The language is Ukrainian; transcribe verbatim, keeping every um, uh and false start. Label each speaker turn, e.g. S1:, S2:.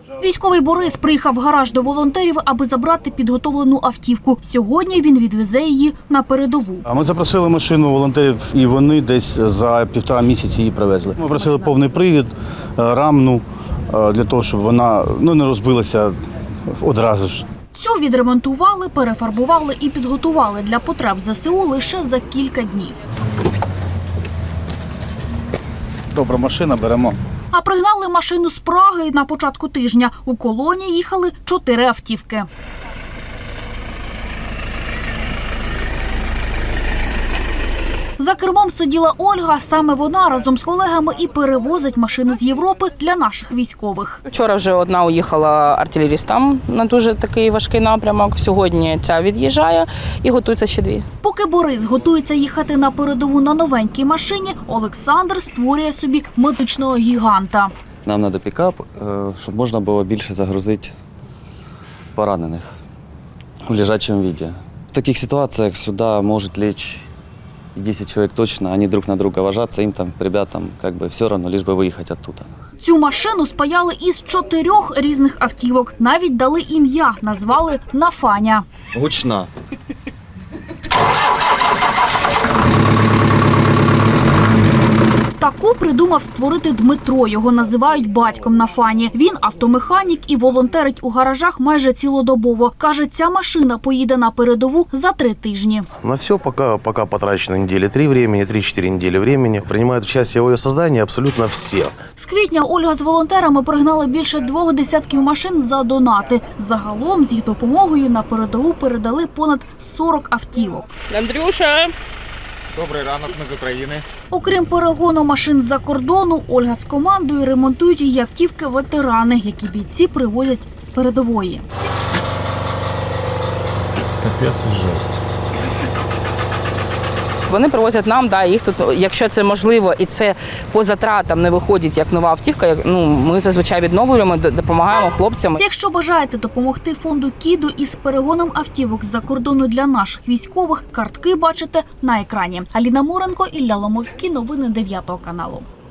S1: Військовий Борис приїхав в гараж до волонтерів, аби забрати підготовлену автівку. Сьогодні він відвезе її на передову.
S2: Ми запросили машину волонтерів, і вони десь за півтора місяці її привезли. Ми просили повний привід, рамну, для того, щоб вона ну, не розбилася одразу ж.
S1: Цю відремонтували, перефарбували і підготували для потреб ЗСУ лише за кілька днів.
S2: Добра машина, беремо.
S1: А пригнали машину з Праги на початку тижня. У колоні їхали чотири автівки. За кермом сиділа Ольга. Саме вона разом з колегами і перевозить машини з Європи для наших військових.
S3: Вчора вже одна уїхала артилерістам на дуже такий важкий напрямок. Сьогодні ця від'їжджає і готуються ще дві.
S1: Поки Борис готується їхати на передову на новенькій машині, Олександр створює собі медичного гіганта.
S4: Нам треба пікап, щоб можна було більше загрузити поранених в лежачому віді. В таких ситуаціях сюди можуть лечь десять чоловік точно, вони друг на друга ложатся, їм там, ребятам, как бы все одно, лиш би виїхати оттуда.
S1: Цю машину спаяли із чотирьох різних автівок. Навіть дали ім'я, назвали «Нафаня».
S4: Гучна.
S1: Таку придумав створити Дмитро. Його називають батьком Нафані. Він автомеханік і волонтерить у гаражах майже цілодобово. Каже, ця машина поїде на передову за три тижні.
S5: На все пока, пока потрачено недели три времени, три-четыре недели времени. Принимают участие в ее создании абсолютно все.
S1: З квітня Ольга з волонтерами пригнали більше двох десятків машин за донати. Загалом з їх допомогою на передову передали понад сорок автівок.
S3: Андрюша!
S6: Добрий ранок, ми з України.
S1: Окрім перегону машин з-за кордону, Ольга з командою ремонтують її автівки ветерани, які бійці привозять з передової.
S6: Капець, жесть.
S3: Вони привозять нам, да, їх тут, якщо це можливо і це по затратам не виходить як нова автівка, як, ну, ми зазвичай відновлюємо, допомагаємо хлопцям.
S1: Якщо бажаєте допомогти фонду «Кідо» із перегоном автівок з-за кордону для наших військових, картки бачите на екрані. Аліна Муренко, Ілля Ломовський. Новини дев'ятого каналу.